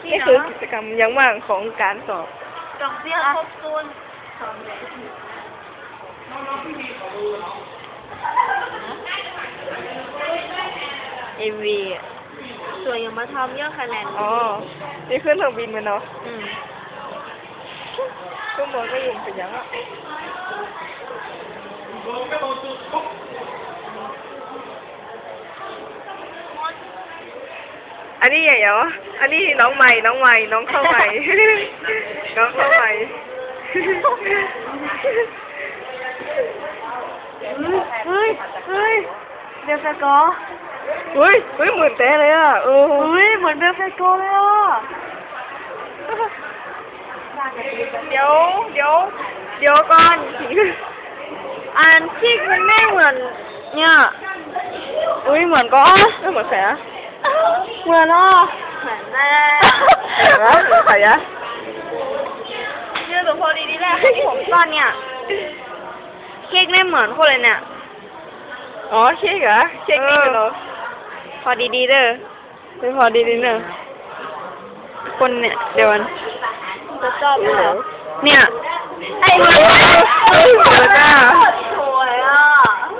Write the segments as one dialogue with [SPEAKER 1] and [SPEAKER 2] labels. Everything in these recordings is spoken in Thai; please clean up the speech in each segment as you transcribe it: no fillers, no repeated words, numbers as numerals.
[SPEAKER 1] นี่คือกิจกรรมยังว่างของการสอบ
[SPEAKER 2] ดอกเบี้ยครบทุนสองเลยMV สวยยังมาทำเยอะคะแนน
[SPEAKER 1] อ๋อ นี่ขึ้นเครื่องบินมาเนาะ
[SPEAKER 2] อืม
[SPEAKER 1] ข้างบนก็ยุ่งเป็นยังอ่ะอันนี้ไงเหรออันนี้น้องใหม่ น้องเข้าใหม่ น้องเข้าใหม่
[SPEAKER 2] เฮ้ยเบลเฟโก
[SPEAKER 1] เฮ้ยเหมือนแต่เลยอ่ะ
[SPEAKER 2] เหมือนเบลเฟโกเลยอ่ะ
[SPEAKER 1] เดี๋ยวก่อน
[SPEAKER 2] อันที่มันไม่เหมือนเนี่ย
[SPEAKER 1] เหมือนก็ไม่เหมือนแสะ
[SPEAKER 2] เหมือนอ่ะเหมือนแน่
[SPEAKER 1] เหมือนใครอะ
[SPEAKER 2] เนี่ยตัวพอดีนี่แหละผมตอนเนี่ยเค้กไม่เหมือนคนเลยเนี่ย
[SPEAKER 1] อ๋อเค้กเหรอเค้กนี่เหรอ
[SPEAKER 2] พอดีเด้อ
[SPEAKER 1] ไม่พอดีนิดนึง
[SPEAKER 2] คนเนี่ยเดี๋ยวมัน
[SPEAKER 1] จะชอบเหรอ
[SPEAKER 2] เนี่ยไอ้เหมือน
[SPEAKER 1] เหมือนอ่ะ
[SPEAKER 2] สวยอ่ะ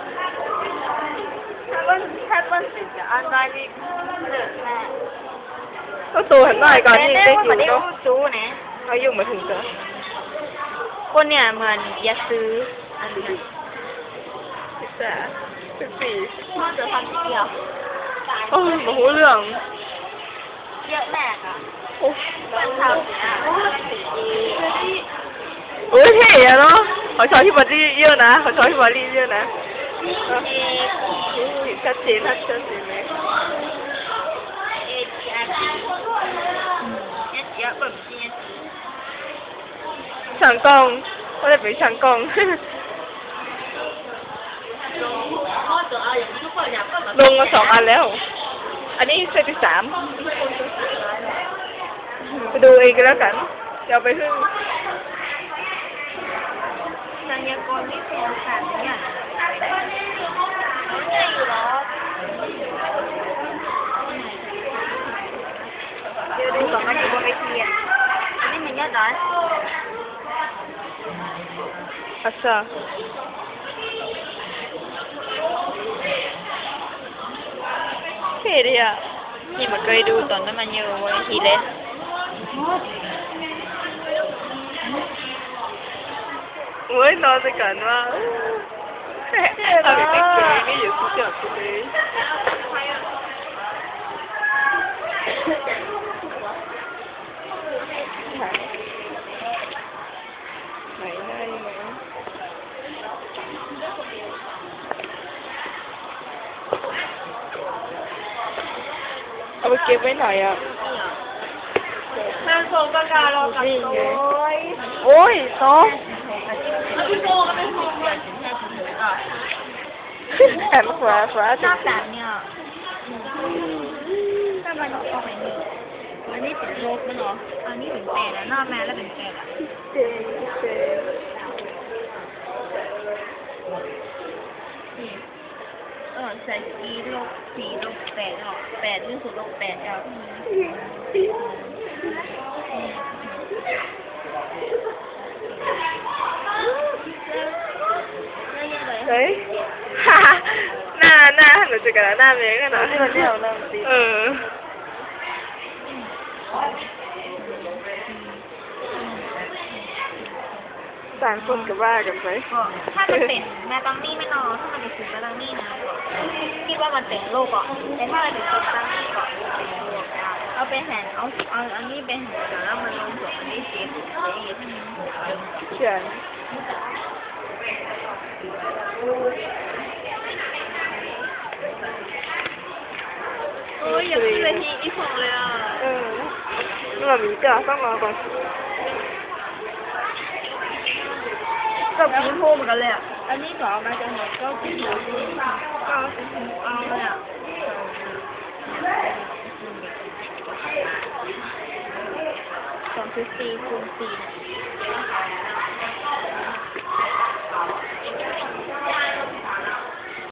[SPEAKER 2] ถ้าเป็นสิ่งจะอันได้ดีเดือดแน่
[SPEAKER 1] ก็ตัวหันหน่อยก่อนที่เด็กอยู่
[SPEAKER 2] เนาะ
[SPEAKER 1] เนาะ
[SPEAKER 2] จู้นะ
[SPEAKER 1] เขายุ่งมาถึงจะ
[SPEAKER 2] คนเนี่ยเหมือนอย่าซื้ออันนี้
[SPEAKER 1] 14
[SPEAKER 2] น่าจะทำเดียว
[SPEAKER 1] โอ้มาหูเรื่อง
[SPEAKER 2] เยอะแน่อ่ะ
[SPEAKER 1] โอ้
[SPEAKER 2] มันทำเนี่ย
[SPEAKER 1] เท่อะเนาะขอชอบที่บอดี้เยอะนะขอชอบที่บอดี้เยอะนะชัดเจนไหม
[SPEAKER 2] เยอะแบบนี้
[SPEAKER 1] ช่างกล้องก็เลยเป็นช่างกล้องลงมา2 อันแล้ว อันนี้เซตที่ 3ไปดูเองก็แล้วกันเดี๋ยวไปพึ่ง
[SPEAKER 2] นายกรไม่เป็นค่ะเนี่ยมันใหญ่อยู่หรอเดี๋ยวดูก่อนมันอยู่บนเวทีอ่ะอันนี้มันยอดน้อย
[SPEAKER 1] อัสซาเท่ดีอ่ะ
[SPEAKER 2] นี่มันเคยดูตอนนั้นมันอยู่บนเวทีเลย
[SPEAKER 1] โอ้ยนอนไปก่อนว่าเอาไปเก็บนี่อยู่ที่จอดเลยไหนได้ไหมเอาไปเก็บไว้หน่อยอ่ะ
[SPEAKER 2] แม่ส่งประกาศเรากับโอ้ย
[SPEAKER 1] โอ้ยน้อง
[SPEAKER 2] พี่โบก็เป็นคนเดียวถึงแค่ถึงเลยอ่ะ
[SPEAKER 1] แขนขวา
[SPEAKER 2] ชอบแบบเนี่ยถ้ามันออกไปนี่อันนี้เป็นลบนะเนาะอันนี้เป็นแปดแล้วหน้าแม่แล้วเป็นแปดอ่ะ
[SPEAKER 1] เจ๋ง
[SPEAKER 2] ใส่สีลบ4 ลบ 8ออก8นี่สุดลบ8ออก
[SPEAKER 1] เฮ้ยหน้าหนูจะกันหน้าเมย์กันนะต่างคนกับว่ากันไป
[SPEAKER 2] ถ้ามันเป็นแมตตังนี่ไม่นอนถ้ามันเป็นสีแมตตังนี่นะคิดว่ามันเป็นโลกอ่ะแต่ถ้ามันเป็นสีแมตตังนี่ก่อนเอาไปแห่เอาอันนี้ไปแห่แล้วมันลงส่วนอันนี้สี
[SPEAKER 1] เขียน
[SPEAKER 2] โอ้ยอยากขึ้นเวทีอีกของเลยอ่ะ
[SPEAKER 1] นี่แบบนี้ก็ต้องรอก่อน
[SPEAKER 2] กับคุณโฮเหมือนกันเลยอ่ะอันนี้ก็เอามาจากไหนก็กินหมูก็เอาเลยอ่ะ2.4 คูณ 4